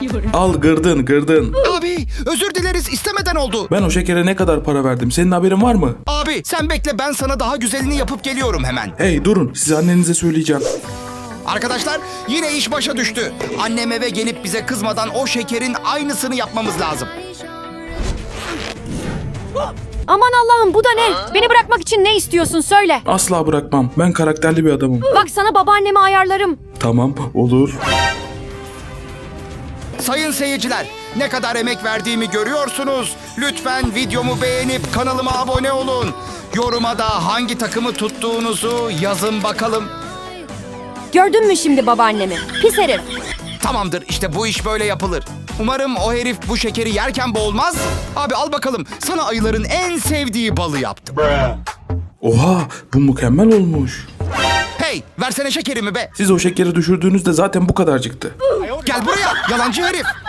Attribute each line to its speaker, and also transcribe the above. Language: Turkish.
Speaker 1: Al gırdın.
Speaker 2: Abi özür dileriz, istemeden oldu.
Speaker 1: Ben o şekere ne kadar para verdim? Senin haberin var mı?
Speaker 2: Abi sen bekle, ben sana daha güzelini yapıp geliyorum hemen.
Speaker 1: Hey durun, size annenize söyleyeceğim.
Speaker 2: Arkadaşlar yine iş başa düştü. Annem eve gelip bize kızmadan o şekerin aynısını yapmamız lazım.
Speaker 3: Aman Allah'ım, bu da ne? Beni bırakmak için ne istiyorsun söyle.
Speaker 1: Asla bırakmam. Ben karakterli bir adamım.
Speaker 3: Bak sana babaannemi ayarlarım.
Speaker 1: Tamam, olur.
Speaker 2: Sayın seyirciler, ne kadar emek verdiğimi görüyorsunuz. Lütfen videomu beğenip kanalıma abone olun. Yoruma da hangi takımı tuttuğunuzu yazın bakalım.
Speaker 3: Gördün mü şimdi babaannemi? Pis herif.
Speaker 2: Tamamdır, işte bu iş böyle yapılır. Umarım o herif bu şekeri yerken boğulmaz. Abi al bakalım, sana ayıların en sevdiği balı yaptım.
Speaker 1: Oha, bu mükemmel olmuş.
Speaker 2: Hey, versene şekerimi be.
Speaker 1: Siz o şekeri düşürdüğünüzde zaten bu kadarcıktı.
Speaker 2: Gel buraya, yalancı herif.